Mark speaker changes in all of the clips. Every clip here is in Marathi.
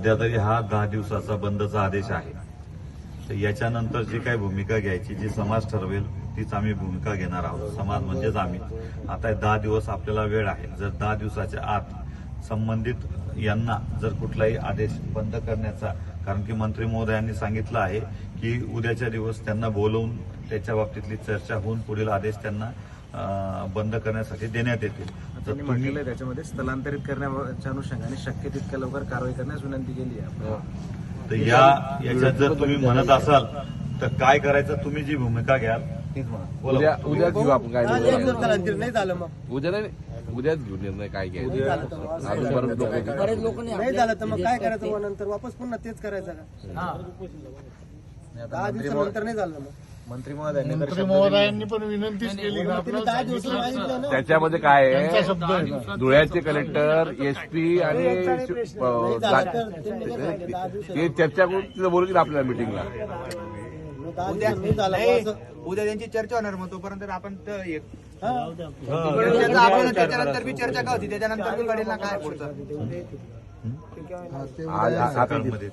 Speaker 1: सध्या तरी हा 10 दिवसाचा बंदचा आदेश आहे. तर याच्यानंतर जी काही भूमिका घ्यायची, जी समाज ठरवेल तीच आम्ही भूमिका घेणार आहोत. समाज म्हणजेच आम्ही. आता 10 दिवस आपल्याला वेळ आहे. जर 10 दिवसाच्या आत संबंधित यांना जर कुठलाही आदेश बंद करण्याचा, कारण की मंत्री महोदयांनी सांगितलं आहे की उद्याच्या दिवस त्यांना बोलवून त्याच्या बाबतीतली चर्चा होऊन पुढील आदेश त्यांना बंद करण्यासाठी देण्यात येतील.
Speaker 2: त्यांनी म्हटलेलं त्याच्यामध्ये स्थलांतरित करण्याच्या अनुषंगाने शक्य तितक्या लवकर कारवाई करण्यास विनंती केली आहे.
Speaker 1: तर याच्यात जर तुम्ही म्हणत असाल तर काय करायचं, तुम्ही जी भूमिका घ्याल तीच म्हणा.
Speaker 3: उद्या घेऊ आपण काय
Speaker 4: नाही झालं मग
Speaker 3: उद्या नाही, उद्याच घेऊ निर्णय काय घ्यायचा.
Speaker 4: बरेच लोक नाही झालं तर मग काय करायचं, मग नंतर वापस पुन्हा तेच करायचं का? 10 दिवसानंतर नाही झालं मग
Speaker 2: मंत्री महोदयांनी
Speaker 5: मंत्री महोदयांनी पण विनंतीच केली ना.
Speaker 4: 10 दिवस मागितलं ना.
Speaker 3: त्याच्यामध्ये काय आहे,
Speaker 5: शब्द आहे ना.
Speaker 3: धुळ्याचे कलेक्टर, एसपी आणि ते चर्चा करून तिथं बोलू आपल्याला मिटिंगला.
Speaker 2: उद्या त्यांची चर्चा होणार, मग तोपर्यंत आपण त्याच्यानंतर बी चर्चा का होती, त्याच्यानंतर बी कळेल ना काय पुढचं.
Speaker 1: सकाळमध्ये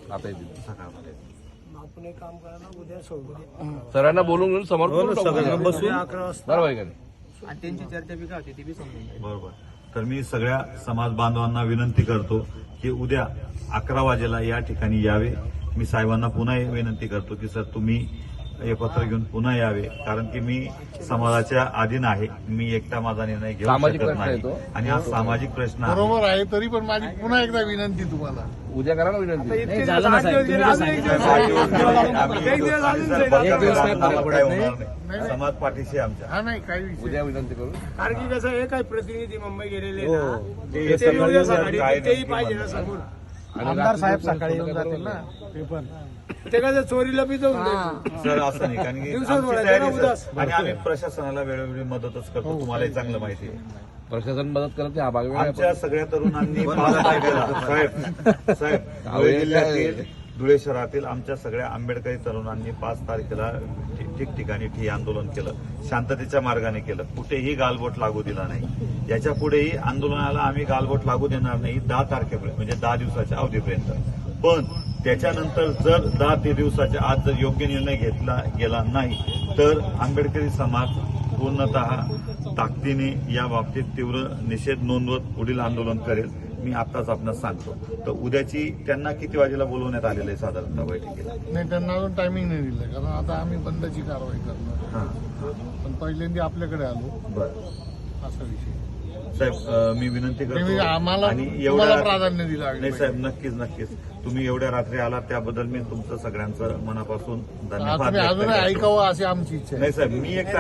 Speaker 3: सरांना बोलून घेऊन समोर बसून बरोबर आहे का नाही?
Speaker 2: आणि त्यांची चर्चा बी का होती ती बी समजून.
Speaker 1: बरोबर. तर मी सगळ्या समाज बांधवांना विनंती करतो की उद्या 11 वाजेला या ठिकाणी यावे. मी साहेबांना पुन्हा विनंती करतो की सर तुम्ही हे पत्र घेऊन पुन्हा यावे, कारण की मी समाजाच्या अधीन आहे. मी एकटा माझा निर्णय घेऊ शकत नाही आणि हा सामाजिक प्रश्न आहे.
Speaker 5: बरोबर आहे. तरी पण माझी पुन्हा एकदा विनंती तुम्हाला,
Speaker 3: उद्या करा ना विनंती.
Speaker 1: समाज पाठीशी आमच्या.
Speaker 5: हा नाही काही विषय.
Speaker 3: उद्या विनंती करू.
Speaker 6: कारण की कसं हे काही प्रतिनिधी मुंबई गेलेले
Speaker 1: हो.
Speaker 6: ना,
Speaker 1: ते
Speaker 6: ते उद्या सकाळी
Speaker 1: काय
Speaker 6: तेही पाहिजे ना समोर.
Speaker 5: आमदार साहेब सकाळी येऊन जातील ना. ते पण
Speaker 6: ते कसं चोरीला बी जाऊन द्यायचं.
Speaker 1: सर असं नाही, कारण की
Speaker 6: दिवसात
Speaker 1: आमची
Speaker 6: बोलायचं
Speaker 1: तयारी
Speaker 6: ना
Speaker 1: सर.
Speaker 6: उदास.
Speaker 1: आणि आम्ही प्रशासनाला वेळोवेळी मदतच करतो, तुम्हालाही चांगलं माहिती आहे.
Speaker 3: प्रशासन मदत करत नाही, हा भाग वेगळा आहे.
Speaker 1: आमच्या सगळ्या तरुणांनी 5 तारखेला साहेब धुळे जिल्ह्यातील, धुळे शहरातील आमच्या सगळ्या आंबेडकरी तरुणांनी 5 तारखेला ठिकठिकाणी ठिय्या आंदोलन केलं, शांततेच्या मार्गाने केलं. कुठेही गालबोट लागू दिला नाही. याच्या पुढेही आंदोलनाला आम्ही गालबोट लागू देणार नाही 10 तारखेपर्यंत, म्हणजे 10 दिवसाच्या अवधीपर्यंत. पण त्याच्यानंतर जर 10 दिवसाच्या आत जर योग्य निर्णय घेतला गेला नाही तर आंबेडकरी समाज पूर्णतः ताकदीने या बाबतीत तीव्र निषेध नोंदवत पुढील आंदोलन करेल. मी आत्ताच आपणास सांगतो. तर उद्याची त्यांना किती वाजेला बोलवण्यात आलेलं आहे साधारणतः बैठकीला?
Speaker 5: नाही, त्यांना अजून टायमिंग नाही दिलं, कारण आता आम्ही बंदची कारवाई करणार.
Speaker 1: हां
Speaker 5: पण पहिल्यांदा आपल्याकडे आलो,
Speaker 1: बरं.
Speaker 5: असा विषय.
Speaker 1: साहेब मी विनंती करतो
Speaker 5: आम्हाला
Speaker 1: आणि
Speaker 5: तुम्हाला प्राधान्य दिलं.
Speaker 1: नाही साहेब, नक्कीच तुम्ही एवढ्या रात्री आलात त्याबद्दल मी तुमचं सगळ्यांचं मनापासून धन्यवाद
Speaker 5: तुम्ही
Speaker 1: व्यक्त
Speaker 5: अजून
Speaker 1: करतो.
Speaker 5: ऐकावं अशी आमची इच्छा आहे.
Speaker 1: नाही साहेब, मी एक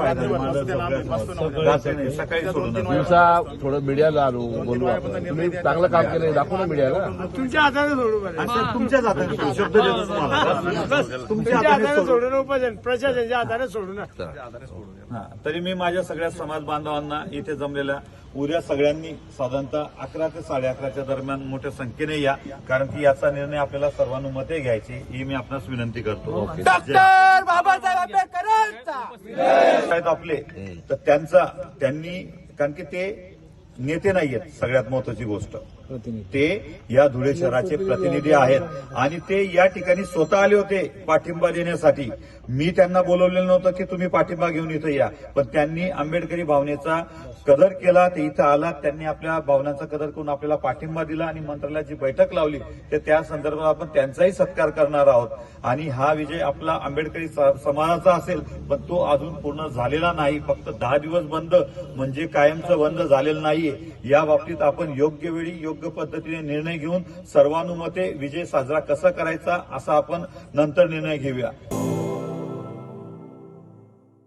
Speaker 1: सकाळी सोडून
Speaker 3: दिवसा थोडं मीडियाला आणू, बोलू आपण. तुम्ही चांगलं काम केलं, दाखवू ना मीडियाला.
Speaker 6: तुमच्या हाताने सोडू बरं.
Speaker 1: तुमच्याच हाताने सोडू. शब्द देतो तुम्हाला.
Speaker 6: तुमच्या हाताने सोडू ना, प्रशासनाच्या हाताने सोडू ना.
Speaker 1: हा, तरी मी माझ्या सगळ्या समाज बांधवांना इथे जमलेल्या उद्या सगळ्यांनी साधारणतः 11 ते 11:30च्या दरम्यान मोठ्या संख्येने या, कारण की याचा निर्णय आपल्याला सर्वानुमते घ्यायची ही मी आपणास विनंती करतो.
Speaker 4: डॉक्टर बाबासाहेब आंबेडकरांचा
Speaker 1: आहेत आपले, तर त्यांनी, कारण की ते नेते नाहीयेत, सगळ्यात महत्वाची गोष्ट ते या धुळे शहराचे प्रतिनिधी आहेत आणि ते या ठिकाणी स्वतः आले होते पाठिंबा देण्यासाठी. मी त्यांना बोलवलेलं नव्हतं की तुम्ही पाठिंबा घेऊन इथं या, पण त्यांनी आंबेडकरी भावनेचा कदर केला. ते इथं आला, त्यांनी आपल्या भावनांचा कदर करून आपल्याला पाठिंबा दिला आणि मंत्रालयाची बैठक लावली. तर त्या संदर्भात आपण त्यांचाही सत्कार करणार आहोत. आणि हा विजय आपला आंबेडकरी समाजाचा असेल, पण तो अजून पूर्ण झालेला नाही. फक्त 10 दिवस बंद म्हणजे कायमचं बंद झालेलं नाहीये. या बाबतीत आपण योग्य वेळी योग्य पद्धतीने निर्णय घेऊन सर्वानुमते विजय साजरा कसा करायचा असा आपण नंतर निर्णय घेऊया.